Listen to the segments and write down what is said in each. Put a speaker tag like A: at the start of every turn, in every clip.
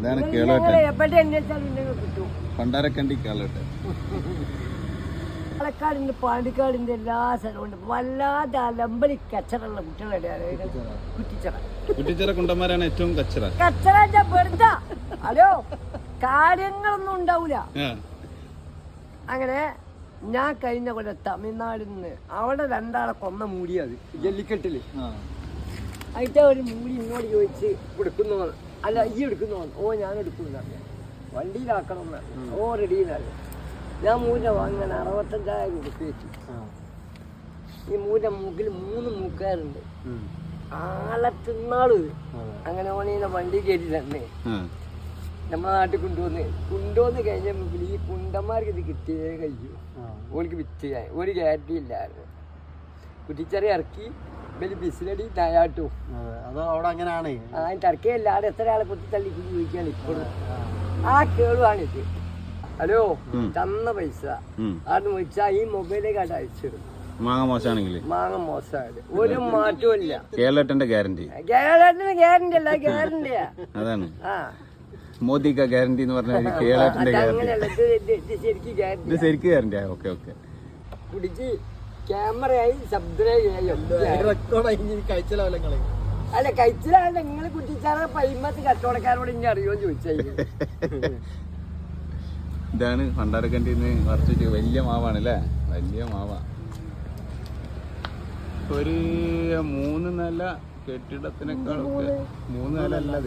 A: ഇതാണ് കേളോട്ടൻ. പണ്ടാരക്കണ്ടി കേളോട്ടൻ.
B: പാലക്കാടിന്റെ പാണ്ടിക്കാടിന്റെ എല്ലാ സ്ഥലമുണ്ട്. വല്ലാതെ അലമ്പലി കച്ചറുള്ള കുട്ടികളുടെ കുറ്റിച്ചറ.
A: കുറ്റിച്ചിറ കുണ്ടന്മാരാണ് ഏറ്റവും കച്ചറ.
B: കച്ചറ വെറുതെ ഹലോ കാര്യങ്ങളൊന്നും ഉണ്ടാവൂല. അങ്ങനെ ഞാൻ കഴിഞ്ഞ കൊല്ലം തമിഴ്നാടിൽ നിന്ന് അവിടെ രണ്ടാളെ കൊന്ന മൂടിയത് ജല്ലിക്കെട്ടില്. അതിന്റെ ഒരു മൂടി ഇങ്ങോട്ട് ചോദിച്ച് കൊടുക്കുന്നു. അല്ല ഈ എടുക്കുന്നു. ഓ ഞാൻ എടുക്കുന്നു. വണ്ടിയിലാക്കണം. ഓ റെഡിയിലാണ്. ഞാൻ മൂല വാങ്ങാൻ 65,000 കൊടുത്തു വെച്ചു. ഈ മൂല മൂക്കിൽ 3 മൂക്കാരുണ്ട്. ആളെ തിന്നാള് അങ്ങനെ ഓണീനെ വണ്ടി കയറ്റി തന്നെ നമ്മളെ നാട്ടിൽ കൊണ്ടുവന്ന് കഴിഞ്ഞപ്പോൾ ഈ കുണ്ടന്മാർക്ക് ഇത് കിട്ടിയേ കഴിയൂ. ഓൾക്ക് വിറ്റ് ഒരു ഗ്യാരണ്ടി ഇല്ലായിരുന്നു. കുറ്റിച്ചെറി ഇറക്കി വലിയ ബിസിലടി നയാട്ടു.
C: അവിടെ അങ്ങനെയാണ്.
B: ടർക്കയല്ല. അവിടെ എത്ര ആളെ കുത്തിത്തള്ളി ചോദിക്കാണ് ഇപ്പോഴും. ആ കേളുവാണിത്. ഹലോ തന്ന പൈസ അത് വെച്ചാ ഈ മൊബൈലിലേക്ക് അയച്ചിടും.
A: മാങ്ങ മോശമാണെങ്കിൽ
B: മാങ്ങ മോശമായത് ഒരു മാറ്റവും ഇല്ല.
A: കേരളത്തിന്റെ ഗ്യാരണ്ടി.
B: കേരളത്തിന് ഗ്യാരണ്ടി അല്ല, ഗ്യാരണ്ടിയാ.
A: അതാണ്
B: ആ
A: മോദിക്ക ഗ്യാരണ്ടി എന്ന് പറഞ്ഞാൽ കേരളത്തിന്റെ
B: അങ്ങനെയല്ല. ഇത് ശരിക്കും ഗ്യാരണ്ടി.
A: ശരിക്കും ഗ്യാരണ്ടിയാ. Okay okay.
B: പിടിച്ച് ക്യാമറയായി ശബ്ദമായി. അല്ല കഴിച്ചിലാണ് നിങ്ങൾ കുറ്റിച്ചാറ പൈമത്ത് കച്ചവടക്കാരോട് ഇനി അറിയുമോ ചോദിച്ചാൽ.
A: ഇതാണ് പണ്ടാരക്കണ്ടിന്ന് കുറച്ച് വലിയ മാവാണ് അല്ലേ? വലിയ മാവ. ഒരു 3 നില കെട്ടിടത്തിനേക്കാളൊക്കെ 3 നില അല്ല.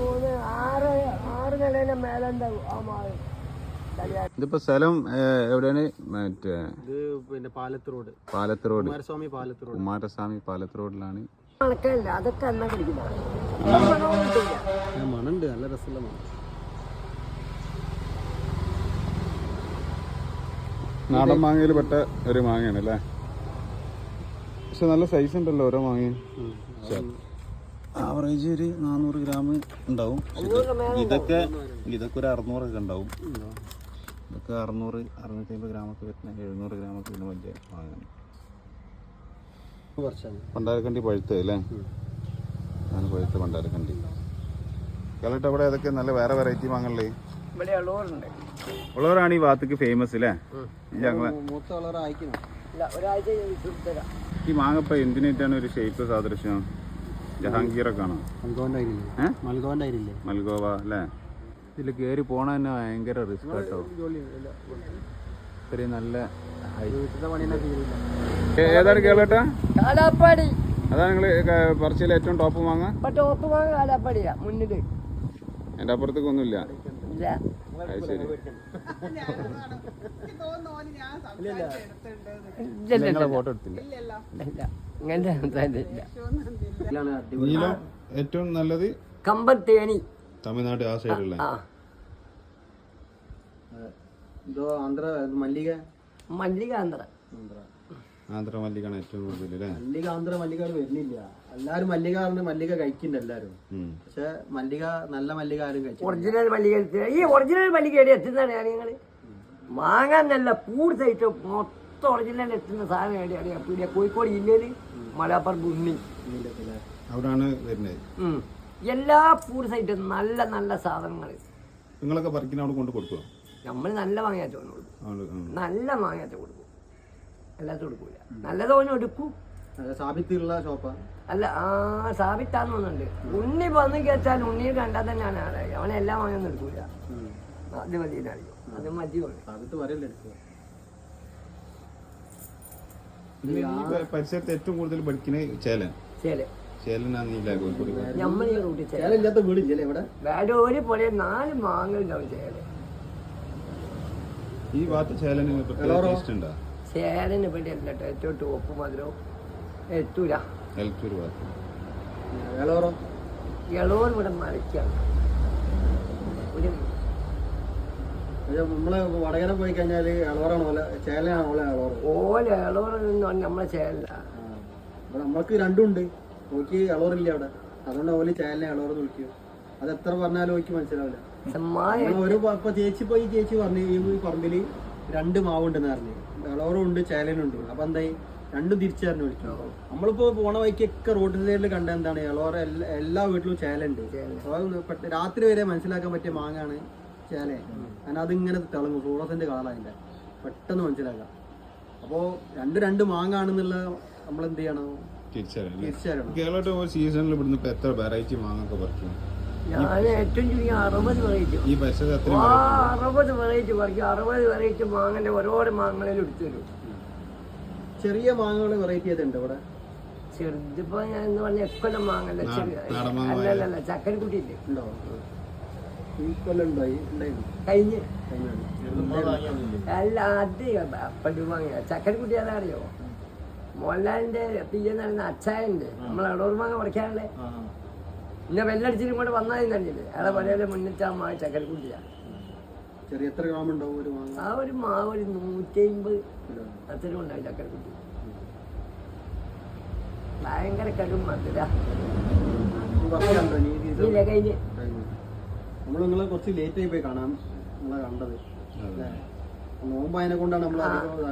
B: 6 നിലയുടെ മേലുണ്ടാവും ആ മാവ്.
A: ഇതിപ്പോ സ്ഥലം എവിടെയാണ്? മറ്റേ
C: പിന്നെ പാലത്ത് റോഡ്.
A: പാലത്ത് റോഡ്.
C: കുമാരസ്വാമി
A: പാലത്ത് റോഡിലാണ്.
B: കണക്കല്ല അതൊക്കെ എന്നാ പിടിക്കുന്ന
C: മണുണ്ട്. നല്ല രസമുള്ള മണം.
A: നാടൻ മാങ്ങയിൽ പെട്ട ഒരു മാങ്ങയാണ് അല്ലേ? പക്ഷെ നല്ല സൈസ് ഉണ്ടല്ലോ ഓരോ മാങ്ങയും. ആവറേജ് ഒരു 400 ഗ്രാം ഉണ്ടാവും. ഇതൊക്കെ ഒരു 600 ഒക്കെ ഉണ്ടാവും. ഇതൊക്കെ 600-650 ഗ്രാമൊക്കെ വരുന്ന 700 ഗ്രാമൊക്കെ വരുന്ന വലിയ മാങ്ങയാണ്. പണ്ടാരക്കണ്ടി പഴുത്തത് അല്ലേ? ആണ് പഴുത്ത പണ്ടാരക്കണ്ടി. കേരളത്തിൽ അവിടെ ഏതൊക്കെ നല്ല വേറെ വെറൈറ്റി മാങ്ങല്ലേ? ഉള്ളവരാണ് ഈ ഭാഗത്തേക്ക് ഫേമസ് അല്ലേ? ഈ മാങ്ങപ്പ എന്തിനായിട്ടാണ് ഒരു ഷേപ്പ് സാദൃശ്യം? ജഹാംഗീറൊക്കെ ആണോ? മൽഗോവ അല്ലേ? ഇതിൽ കയറി പോണ തന്നെ ഭയങ്കര റിസ്ക് കേട്ടോ. ഇത്രയും നല്ല ഏതാണ് കേരള?
B: കാലാപ്പാടി.
A: അതാണ് നിങ്ങള് പറച്ചിയിൽ ഏറ്റവും ടോപ്പ് മാങ്ങ?
B: ടോപ്പ് മാങ്ങ കാലാപ്പാടിയാ മുന്നില്.
A: എന്റെ അപ്പുറത്തേക്ക് ഒന്നുമില്ല. അത് ശരി. ഫോട്ടോ എടുത്തില്ല. നീലം ഏറ്റവും നല്ലത്
B: കമ്പത്തേനി,
A: തമിഴ്നാട് ആ സൈഡുള്ള.
B: മല്ലിക
A: ആന്ധ്ര മല്ലികാണ് ഏറ്റവും കൂടുതൽ.
C: ആന്ധ്ര മല്ലികാട് വരുന്നില്ല. എല്ലാരും മല്ലിക മല്ലിക കഴിക്കുന്നുണ്ട് എല്ലാരും. പക്ഷെ മല്ലിക നല്ല മല്ലിക ആരും കഴിച്ചു.
B: ഒറിജിനൽ മല്ലിക. ഈ ഒറിജിനൽ മല്ലിക എത്തുന്നതാണ് നിങ്ങള് വാങ്ങാൻ. നല്ല പൂട് സൈറ്റ് മൊത്തം ഒറിജിനൽ എത്തുന്ന സാധനം എവിടെയാണ്? പീടിയ കോഴിക്കോട് ജില്ലയില് മലപ്പുറം ഉണ്ണി
A: അവിടാണ് വരുന്നത്.
B: എല്ലാ പൂട് സൈറ്റും നല്ല നല്ല സാധനങ്ങൾ.
A: നിങ്ങളൊക്കെ പറിക്കുന്ന അവിടെ കൊണ്ട് കൊടുക്കുക?
B: നമ്മൾ നല്ല മാങ്ങാറ്റ കൊടുക്കും. നല്ല മാങ്ങാറ്റ കൊടുക്കും. അല്ലാത്ത കൊടുക്കൂല. നല്ല തോന്നും എടുക്കും.
C: സാബിത്തുള്ള ഷോപ്പാ
B: അല്ല. സാബിത്താന്ന് തോന്നുന്നുണ്ട്. ഉണ്ണി വന്ന് കേട്ടാൽ ഉണ്ണിയെ കണ്ടാൽ തന്നെ ഞാൻ ആളായി. അവനെല്ലാം വാങ്ങാൻ എടുക്കൂല. അത് മതി അറിയോ? അത് മതിയാണ്.
A: പരിസരത്ത് ഏറ്റവും കൂടുതൽ പഠിക്കുന്നത് ചേലൻ.
B: നമ്മളീ റൂട്ടിൽ ഒരു പോലെ 4 മാങ്ങ ഉണ്ടാവും ചേല.
A: ഈ ഭാഗത്ത് ചേലന് ടേസ്റ്റ് ഉണ്ടോ?
B: ചേലന് ഇവിടെ അല്ല കേട്ടോ. ഏറ്റവും ടോപ്പ് മധുരവും എത്തൂല. ഇളവർ ഇവിടെ മരക്കാണ്.
C: നമ്മള് വടകര പോയി കഴിഞ്ഞാല്
B: ഓല ഇളവർ നമ്മളെ ചേല.
C: നമ്മൾക്ക് രണ്ടുണ്ട്. ഓക്ക് ഇളവറില്ല അവിടെ. അതുകൊണ്ട് ഓല് ചേലിനെ ഇളവർ നോക്കിയോ. അത് എത്ര പറഞ്ഞാലും ഓക്ക് മനസ്സിലാവില്ല. ഒരു ചേച്ചി പോയി ചേച്ചി പറഞ്ഞു ഈ പറമ്പില് 2 മാവുണ്ടെന്ന് പറഞ്ഞു. ഇളവറും ഉണ്ട് ചേലനും ഉണ്ട്. അപ്പൊ എന്തായി രണ്ടും തിരിച്ചറിഞ്ഞു വിളിക്കും. നമ്മളിപ്പോ പോണ വഴിക്കൊക്കെ റോഡ് സൈഡിൽ കണ്ട എന്താണ് ഇളവറ എല്ലാ വീട്ടിലും ചേലുണ്ട്. രാത്രി വരെ മനസ്സിലാക്കാൻ പറ്റിയ മാങ്ങാണ് ചേല. കാരണം അതിങ്ങനെ തിളങ്ങും, ഫ്ലൂറസെന്റ് കളറായില്ല, പെട്ടെന്ന് മനസ്സിലാക്കാം. അപ്പോ രണ്ട് മാങ്ങാണെന്നുള്ള നമ്മൾ എന്ത് ചെയ്യണം, തിരിച്ചറിയണം.
A: കേരളത്തിൽ സീസണിൽ ഇവിടുന്ന് ഇപ്പൊ എത്ര വെറൈറ്റി മാങ്ങൊക്കെ പറിക്കും?
B: ഞാൻ ഏറ്റവും ചുരുങ്ങി 60 വെറൈറ്റി,
A: ഈ പരിസരത്ത്
B: 60 വെറൈറ്റി പറിക്കും. 60 വെറൈറ്റി മാങ്ങന്റെ ഓരോരോ മാങ്ങളിൽ എടുത്തു തരും.
C: ചെറിയ മാങ്ങകൾ വെറൈറ്റി ഏതുണ്ട് ഇവിടെ?
B: ചെറുതിപ്പോ ഞാൻ എന്ന് പറഞ്ഞ എക്കൊല്ലം മാങ്ങല്ല, അല്ലല്ല ചക്കരക്കുട്ടിയില്ലേ
C: ഉണ്ടോ? ഈ കൊല്ലം
B: കഴിഞ്ഞ് അല്ല അത് പണ്ട് വാങ്ങിയ ചക്കരക്കുട്ടി അതാ അറിയോ? മോഹൻലാലിന്റെ പിയ്യെന്ന് പറയുന്ന അച്ചായണ്ട് നമ്മളെ ഇടൂർ മാങ്ങ പറിക്കാറുള്ളേ. പിന്നെ വെല്ലടിച്ചിട്ടും കൂടെ വന്നതെന്നറിയില്ലേ, അയാളെ പഴയ മുന്നിട്ട് ആ മാങ്ങ ചക്കരക്കുട്ടിയാ.
C: ചെറിയ എത്ര ഗ്രാം ഉണ്ടാവും ഒരു മാങ്ങ?
B: ആ ഒരു മാവ് ഒരു 150 അത്രയും ഉണ്ടാവും ചക്കരക്കുട്ടി. ഭയങ്കര കടും മധുര. ഇല്ല കഴിഞ്ഞ്
C: നമ്മൾ നിങ്ങളെ കുറച്ച് ലേറ്റ് ആയി പോയി കാണാൻ നിങ്ങളെ കണ്ടത്. നോമ്പായതിനെ കൊണ്ടാണ് നമ്മൾ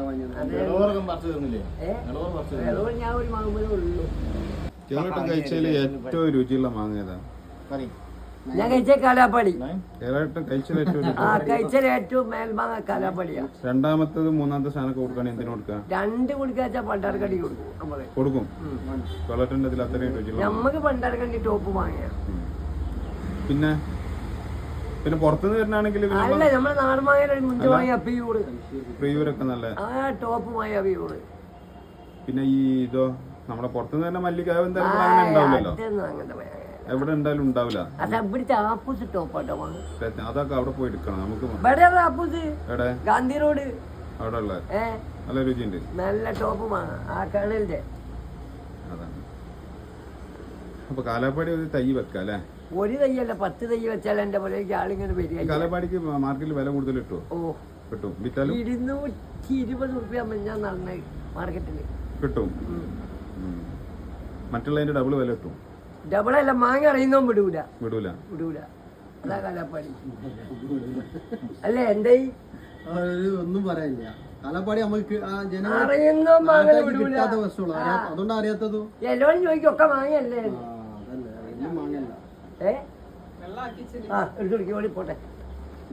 B: ഞാൻ ഒരു മാങ്ങ ഉള്ളൂ.
A: കഴിച്ചതിൽ ഏറ്റവും രുചിയുള്ള മാങ്ങ ഏതാ?
B: ഞാൻ കഴിച്ച കാലാപ്പാടി.
A: കഴിച്ചതിൽ
B: ഏറ്റവും മേൽമാങ്ങ കാലാപ്പാടിയാ.
A: രണ്ടാമത്തത് മൂന്നാമത്തെ സ്ഥാനമൊക്കെ കൊടുക്കുകയാണെങ്കിൽ എന്തിനു കൊടുക്കാം?
B: 2 കൊടുക്കാച്ചാ പണ്ടാർക്കണ്ടി കൊടുക്കും നമ്മള്.
A: കൊടുക്കും. കൊളട്ടിന്റെ അത്രയും രുചിയുള്ള
B: നമ്മക്ക് പണ്ടാർക്കണ്ടി ടോപ്പ് മാങ്ങയാ.
A: പിന്നെ പുറത്തുനിന്ന് വരുന്നാണെങ്കിൽ
B: അല്ല നമ്മളെ നാടൻ മാങ്ങ മുന്തി വാങ്ങിയ അപ്പിയൂട്
A: പ്രിയൂരൊക്കെ നല്ല
B: ടോപ്പ് മായ അപ്പിയൂട്.
A: പിന്നെ ഈ ഇതോ നമ്മുടെ പുറത്തുനിന്ന് തന്നെ മല്ലികാവ് ഉണ്ടാവില്ലല്ലോ, എവിടെ ഉണ്ടായാലും ഉണ്ടാവില്ല.
B: ഇവിടുത്തെ ആപ്പൂസ് ടോപ്പാട്ടോ
A: അതൊക്കെ അവിടെ പോയി എടുക്കണം നമുക്ക്.
B: ആപ്പൂസ് ഗാന്ധി റോഡ്
A: അവിടെ ഉള്ള നല്ല രുചിയുണ്ട്,
B: നല്ല ടോപ്പ് മാങ്ങ ആ കടലിന്റെ.
A: അതാണ്. അപ്പൊ കാലാപ്പാടി ഒരു തൈ വെക്കാം അല്ലേ?
B: ഒരു തയ്യല്ല 10 തൈ വെച്ചാൽ എന്റെ പോലെയൊക്കെ ആളിങ്ങനെ വരിക.
A: കാലാപ്പാടിക്ക് മാർക്കറ്റിൽ വില കൂടുതൽ കിട്ടുമോ?
B: ഓ
A: കിട്ടും. വിറ്റാലും
B: 220 റുപ്യ ഞാൻ നടന്ന മാർക്കറ്റില് കിട്ടും.
A: മറ്റുള്ളതിന്റെ ഡബിൾ വില കിട്ടും.
B: ഡബിളല്ല, മാങ്ങ അറിയുന്നോ വിടൂല. അതാ കാലാപ്പാടി അല്ലേ? എന്റെ
C: ഒന്നും പറയാനില്ല. കാലാപ്പാടി നമുക്ക്
B: അറിയുന്നോ മാങ്ങ വിടൂല.
C: അതുകൊണ്ടാ അറിയാത്തതും.
B: എല്ലാവരും ചോദിക്കും ഒക്കെ മാങ്ങയല്ലേ?
C: മാങ്ങല്ല
B: എടുത്തു ഓടി പോട്ടെ.